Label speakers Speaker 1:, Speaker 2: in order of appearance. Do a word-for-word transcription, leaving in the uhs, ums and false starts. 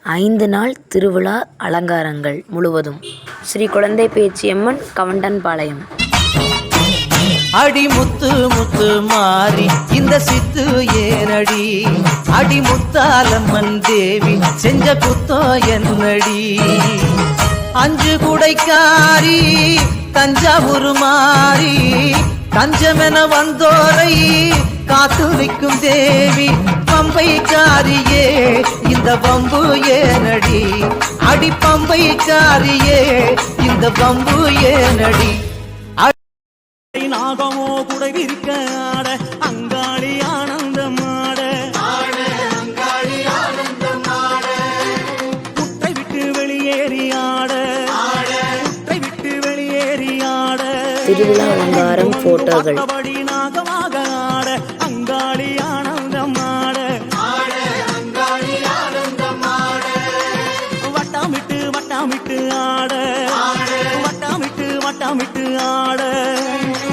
Speaker 1: ஐந்து நாள் திருவிழா அலங்காரங்கள் முழுவதும் ஸ்ரீ குழந்தை பேச்சியம்மன் கவண்டன்பாளையம்.
Speaker 2: அடி முத்து முத்து மாறி இந்த சித்து ஏனடி, அடி முத்தாலம்மன் தேவி செஞ்ச குத்தோ என்னடி. அஞ்சு குடைக்காரி தஞ்சாவூர் மாறி தஞ்சமென வந்தோரை காத்து நிற்கும் தேவி. பம்பைக்காரியே இந்த பம்பு ஏனடி, அடி பம்பைக்காரியே இந்த பம்பு ஏனடி.
Speaker 3: நாகமோ குடை விரிக்க ஆட அங்காளி ஆனந்தமாட, குட்டை விட்டு வெளியேறி ஆட, குட்டை விட்டு வெளியேறி ஆட.
Speaker 1: திருவிழா அலங்காரம் போட்டோகள்.
Speaker 3: நாகமாக ஆட அங்காளி ஆனந்தமாட, வட்டாமிட்டு வட்டாமிட்டு ஆட, வட்டாமிட்டு வட்டாமிட்டு ஆட.